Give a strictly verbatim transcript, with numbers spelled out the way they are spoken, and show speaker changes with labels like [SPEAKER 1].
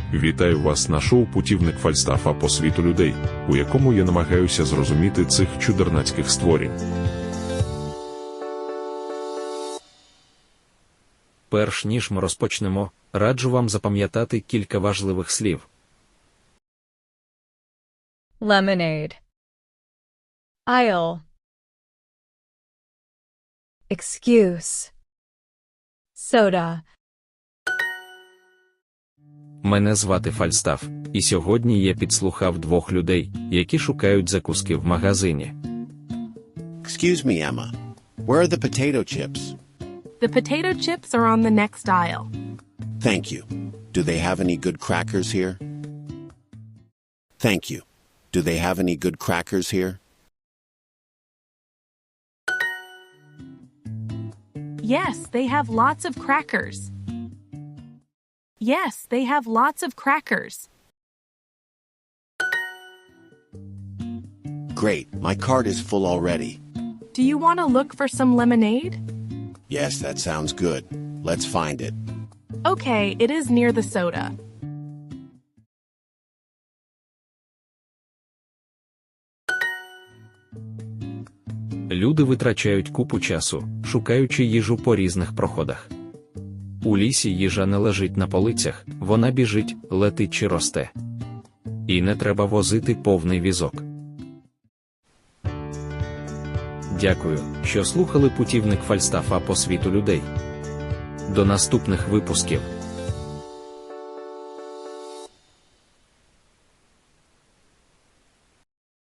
[SPEAKER 1] Вітаю вас на шоу «Путівник Фальстафа по світу людей», у якому я намагаюся зрозуміти цих чудернацьких створінь.
[SPEAKER 2] Перш ніж ми розпочнемо, раджу вам запам'ятати кілька важливих слів.
[SPEAKER 3] Lemonade. Aisle. Excuse. Soda.
[SPEAKER 2] Мене звати Фальстаф, і сьогодні я підслухав двох людей, які шукають закуски в магазині.
[SPEAKER 4] Excuse me, Emma. Where are the potato chips?
[SPEAKER 5] The potato chips are on the next aisle.
[SPEAKER 4] Thank you. Do they have any good crackers here? Thank you. Do they have any good crackers here?
[SPEAKER 5] Yes, they have lots of crackers. Yes, they have lots of crackers.
[SPEAKER 4] Great. My cart is full already.
[SPEAKER 5] Do you want to look for some lemonade?
[SPEAKER 4] Yes, that sounds good. Let's find it.
[SPEAKER 5] Okay, it is near the soda.
[SPEAKER 2] Люди витрачають купу часу, шукаючи їжу по різних проходах. У лісі їжа не лежить на полицях, вона біжить, летить чи росте. І не треба возити повний візок. Дякую, що слухали «Путівник Фальстафа по світу людей». До наступних випусків.